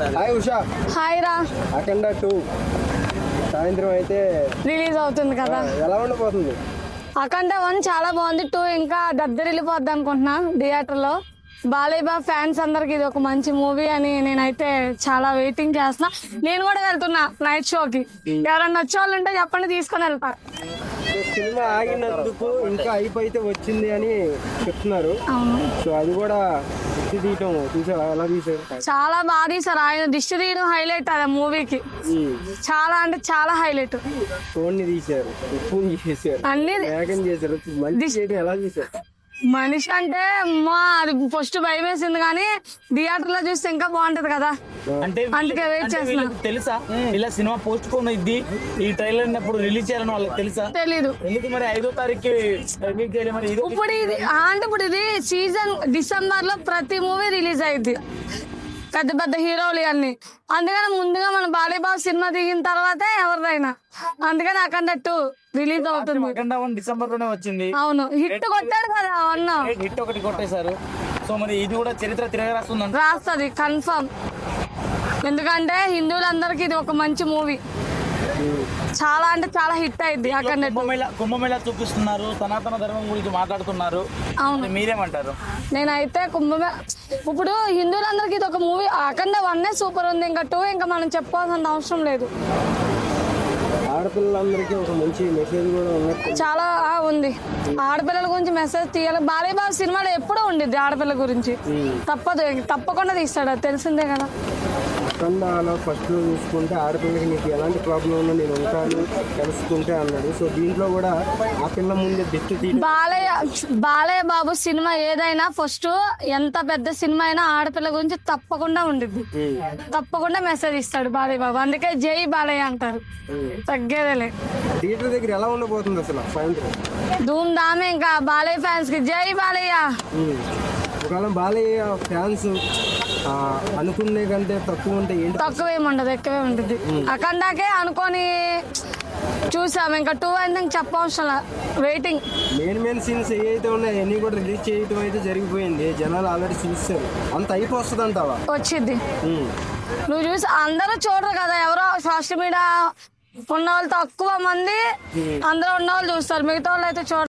Hi Usha. Hi రా. అఖండ 2 సాయంత్రం అయితే రిలీజ్ అవుతుంది కదా. ఎలా ఉండబోతుంది? అఖండ 1 చాలా బాగుంది. 2 ఇంకా దద్దరిల్లిపోద్ది అనుకుంటున్నా థియేటర్ లో. బాలయ్య బాబు ఫ్యాన్స్ అందరికి ఇది ఒక మంచి మూవీ అని నేనైతే చాలా వెయిటింగ్ చేస్తున్నా. నేను కూడా వెళ్తున్నా నైట్ షోకి. ఎవరన్నా వచ్చే వాళ్ళు ఉంటే చెప్పండి, తీసుకొని వెళ్తా. సినిమా ఆగినందుకు ఇంకా అయిపోయితే వచ్చింది అని చెప్తున్నారు. అవును, సో అది కూడా తీయటం చూసావా? ఎలా తీసారు? చాలా బాగా తీసారు. ఆయన దిష్టి తీయడం హైలైట్ అది మూవీకి. చాలా అంటే చాలా హైలైట్. ఫోన్ ని తీశారు, ఫోన్ చేశారు, అన్ని వేగం చేశారు. మంచి చేయడం ఎలా చేశారు? మనిషి అంటే అమ్మా అది ఫస్ట్ భయం వేసింది, కానీ థియేటర్ లో చూస్తే ఇంకా బాగుంటది కదా. అంటే అందుకే వెయిట్ చేస్తున్నా. తెలుసా ఇలా సినిమా పోస్ట్ పోన్ అయింది, ఈ ట్రైలర్ అప్పుడు రిలీజ్ చేయాలని వాళ్ళకి తెలుసా? తెలీదు. ఎందుకు మరి 5వ తారీఖు రిలీజ్ చేయాలి? మరి ఇది ఇప్పుడు ఇది అంటే ఇప్పుడు ఇది సీజన్ డిసెంబర్ లో ప్రతి మూవీ రిలీజ్ అయింది, పెద్ద పెద్ద హీరోలు అన్ని. అందుకని ముందుగా మన బాలయ్య బాబు సినిమా దిగిన తర్వాతే ఎవరిదైనా. అందుకని అఖండ 2 రిలీజ్ అవుతుంది. అఖండ 1 డిసెంబర్ లోనే వచ్చింది. అవును, హిట్ కొట్టాడు కదా అన్న. హిట్ ఒకటి కొట్టేశారు. సో మరి ఇది కూడా చరిత్ర తిరగరాస్తుందంట. రాస్తుంది కన్ఫర్మ్. ఎందుకంటే హిందువులందరికీ ఇది ఒక మంచి మూవీ. చాలా అంటే చాలా హిట్ అయింది అఖండ 2. కుంభమేళా చూపిస్తున్నారు, సనాతన ధర్మం గురించి మాట్లాడుతున్నారు. అవును, మీరేమంటారు? నేనైతే ఇప్పుడు హిందువులందరికీ ఇది ఒక మూవీ. అఖండ 1 సూపర్ ఉంది, ఇంకా 2 ఇంకా మనం చెప్పుకోవాల్సిన అవసరం లేదు. ఆడపిల్లలందరికీ ఒక మంచి మెసేజ్ కూడా ఉన్నట్టు చాలా ఉంది. ఆడపిల్లల గురించి మెసేజ్ తీయాలి. బాలయ్య బాబు సినిమాలో ఎప్పుడూ ఉండిద్ది ఆడపిల్ల గురించి. తప్పకుండా తీస్తాడు, అది తెలిసిందే కదా. అఖండలో ఫస్ట్ లో చూసుకుంటే ఆడపిల్లకి నీకు ఎలాంటి ప్రాబ్లం ఉన్నా నేను ఉంటాను తెలుసుకుంటే అన్నాడు. సో దీంట్లో కూడా ఆ పిల్ల ముందే దిష్టి తీయడం. బాలయ్య బాబు సినిమా ఏదైనా ఫస్ట్ ఎంత పెద్ద సినిమా అయినా ఆడపిల్ల గురించి తప్పకుండా ఉండిద్ది. తప్పకుండా మెసేజ్ ఇస్తాడు బాలయ్య బాబు. అందుకే జై బాలయ్య అంటారు, తగ్గేదేలే. థియేటర్ దగ్గర ఎలా ఉండబోతుంది అసలు సాయంత్రం? ధూమ్ ధామే. ఇంకా బాలయ్య ఫ్యాన్స్ కి జై బాలయ్య. ఒకవేళ బాలయ్య ఫ్యాన్స్ అనుకునే కంటే తక్కువ ఉంటే ఏంటి? తక్కువ ఏముండదు, ఎక్కువే ఉంటుంది. అఖండాకే అనుకొని చూసాం. ఇంకా 2 అయితే చెప్పవసరం, వెయిటింగ్. మెయిన్ సీన్స్ ఏవైతే ఉన్నాయో అన్ని కూడా రిలీజ్ చేయడం అయితే జరిగిపోయింది. జనాలు ఆల్రెడీ చూస్తారు. అంత అయిపోతుంది అంటావా? వచ్చింది. నువ్వు చూసి అందరూ చూడరు కదా, ఎవరో సోషల్ మీడియా ఉన్న వాళ్ళు తక్కువ మంది, అందరూ ఉన్న వాళ్ళు చూస్తారు, మిగతా వాళ్ళు అయితే చూడరు.